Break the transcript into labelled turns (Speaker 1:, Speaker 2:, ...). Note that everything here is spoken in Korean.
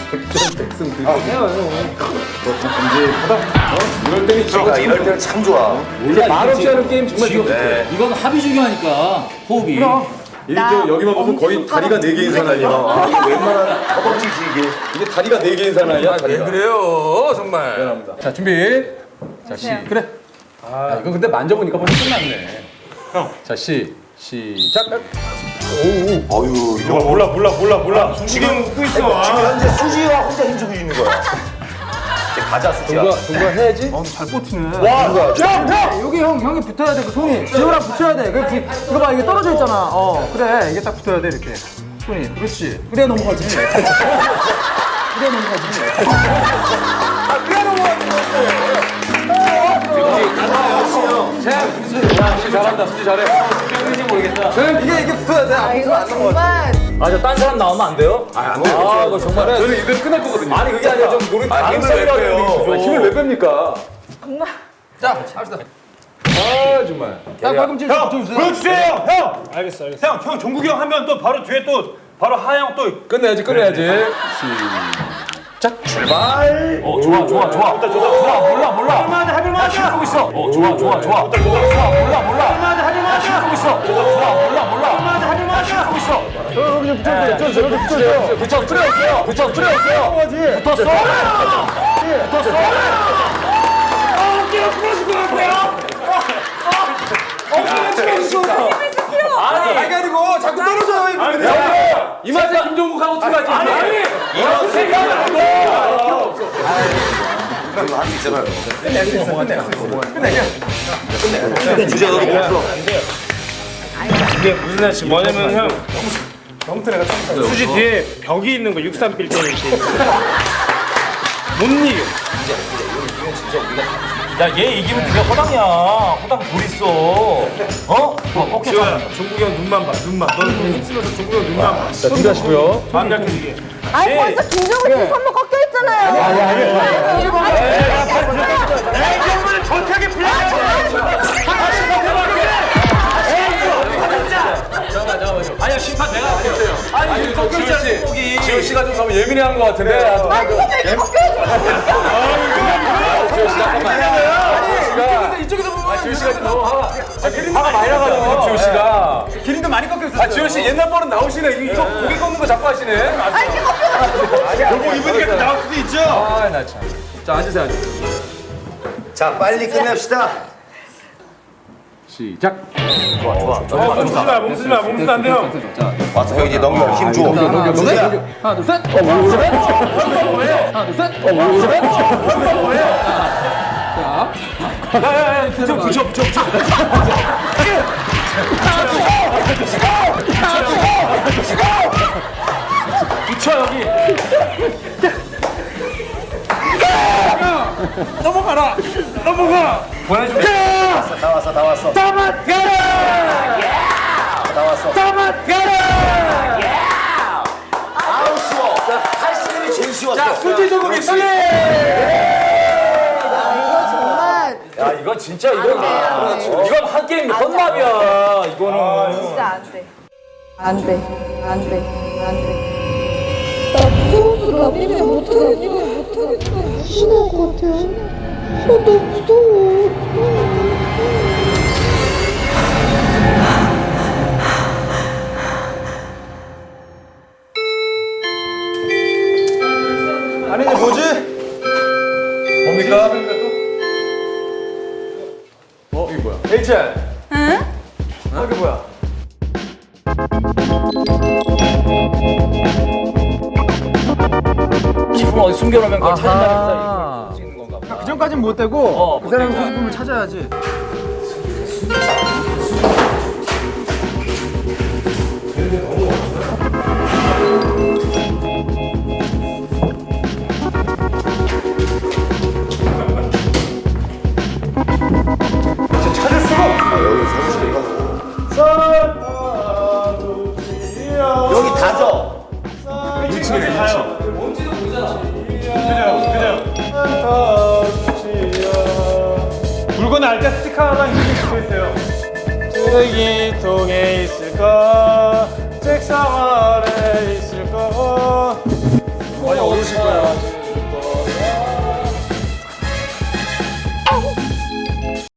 Speaker 1: 백승 들고 이럴 때는
Speaker 2: 제가 이럴 때는 참 좋아.
Speaker 1: 원래 말없이 하는 게임 정말 좋아.
Speaker 3: 이건 합이 중요하니까 호흡이.
Speaker 1: 여기만 보면 거의 다리가 4개인 사나이야.
Speaker 2: 이게 웬만한 허벅지지 이게.
Speaker 1: 이게 다리가 4개인 사나이야.
Speaker 4: 왜 그래요 정말.
Speaker 1: 미안합니다. 자 준비. 자 그래. 아 이거 근데 만져보니까 벌써 끝났네. 자 시작.
Speaker 2: 어유 이거
Speaker 5: 몰라. 지금 웃고 있어.
Speaker 2: 지금 현재 수지와 혼자 힘주고 있는 거야. 이제 가자 수지야.
Speaker 1: 동거 해야지.
Speaker 5: 잘 버티네.
Speaker 1: 형!
Speaker 5: 여기 형이 붙어야 돼. 그 손이 지호랑 붙여야 돼. 이거 봐, 이게 떨어져 있잖아. 그래. 이게 딱 붙어야 돼 이렇게. 손이. 그렇지. 그래야 넘어가지. 그래야 넘어가지.
Speaker 1: 수지 잘한다. 수지 잘해. 수지인지 모르겠다.
Speaker 5: 이게 붙어야 돼.
Speaker 6: 아 이거 정말
Speaker 3: 저 딴 사람 나오면 안 돼요?
Speaker 1: 안 돼요.
Speaker 3: 이거 정말.
Speaker 1: 저는 이대로 끝날 거거든요.
Speaker 3: 아니 그게 아니라 좀 노래
Speaker 2: 힘을 왜 빼요?
Speaker 1: 힘을 왜 뺍니까?
Speaker 6: 정말
Speaker 3: 자, 합시다.
Speaker 1: 아 정말.
Speaker 5: 딱 발꿈치 붙여주세요.
Speaker 7: 보여주세요, 형. 알겠어. 형 종국이 형 하면 또 바로 뒤에 또 바로 하영 또.
Speaker 1: 끝내야지.
Speaker 2: 출발.
Speaker 3: 좋아. 몰라.
Speaker 7: 할만하다, 할만하다.
Speaker 3: 보고 있어. 좋아. 몰라.
Speaker 7: 할만하다, 할만하다.
Speaker 3: 보고 있어. 몰라.
Speaker 7: 할만하다, 할만하다.
Speaker 3: 보고 있어.
Speaker 1: 여기 붙였어요.
Speaker 3: 붙였어요. 붙었어.
Speaker 7: 어깨가 부러질 것 같아요.
Speaker 3: 아니
Speaker 1: 아니고 자꾸 떨어져. 이 맛에 김종국하고 어떡하지?
Speaker 3: 이거 생각은 안 돼.
Speaker 2: 이거 할 수 있잖아요. 끝내. 주제 너도 못 풀어.
Speaker 7: 이게 무슨 날씨 뭐냐면 형. 수지 뒤에 벽이 있는 거 63빌 때 이렇게. 못 이겨.
Speaker 3: 야, 얘 이기면 네가 허당이야. 허당 불 있어. 어?
Speaker 7: 지호야, 종국이 형 눈만 봐. 눈만. 너는 힘쓰면서 종국이 형 눈만 봐.
Speaker 1: 자 준비하시고요.
Speaker 7: 마음 약해지게.
Speaker 6: 아니 벌써 김정은 씨 선물 꺾여 있잖아요.
Speaker 7: 에이, 형은 전태하게
Speaker 3: 아니야, 심판 내가 할게요. 아니, 이거 꺾여 있잖아, 손목이.
Speaker 1: 지호 씨가 좀 너무 예민해한 것 같은데.
Speaker 6: 아니 근데 이렇게 꺾여
Speaker 3: 이쪽에서 보면.
Speaker 1: 지호 씨가 좀 너무 화가 많이 나가지고 지호 씨가.
Speaker 5: 기린도 많이 꺾여 있어.
Speaker 1: 지호 씨 옛날 버릇 나오시네. 이거 고개 꺾는 거 자꾸 하시네.
Speaker 6: 아니 이렇게 꺾여.
Speaker 7: 요거 입으니까 또 나올 수도 있죠.
Speaker 1: 아 나 참. 자 앉으세요.
Speaker 2: 자 빨리 끝냅시다.
Speaker 1: 시작.
Speaker 7: 몸 쓰지 마. 안 돼요.
Speaker 2: 와서 형 이제 넘겨 힘 줘. 수지야.
Speaker 5: 하나, 둘, 셋.
Speaker 7: 붙여.
Speaker 3: 붙여, 여기.
Speaker 7: 넘어가.
Speaker 2: 다 왔어. 다 왔어. 아우 쉬워. 할 수 있는 게 제일 쉬웠어.
Speaker 1: 수지 조국이 승리.
Speaker 6: 이거 정말
Speaker 3: 야, 이건 진짜, 이건 한 게임 헌납이야, 이거는.
Speaker 6: 진짜 안 돼. 나 무서워서 나 때문에 못하겠어. 신할 것 같아. 너무 무서워.
Speaker 5: 아니 이제 뭐지?
Speaker 1: 뭡니까? 이게 뭐야?
Speaker 5: HL. 응? 이게 뭐야?
Speaker 3: 식품 어디 숨겨놓으면 그걸 찾는다면서 수 있는 건가 보다.
Speaker 5: 그 전까진 못 되고 그 사람의 소지품을 찾아야지.
Speaker 2: 여기 다져.
Speaker 7: 물건 알 때 스티커 하나 이렇게 붙어있어요. 쓰레기통에 있을까? 책상 아래 있을까? 어려우실 거야.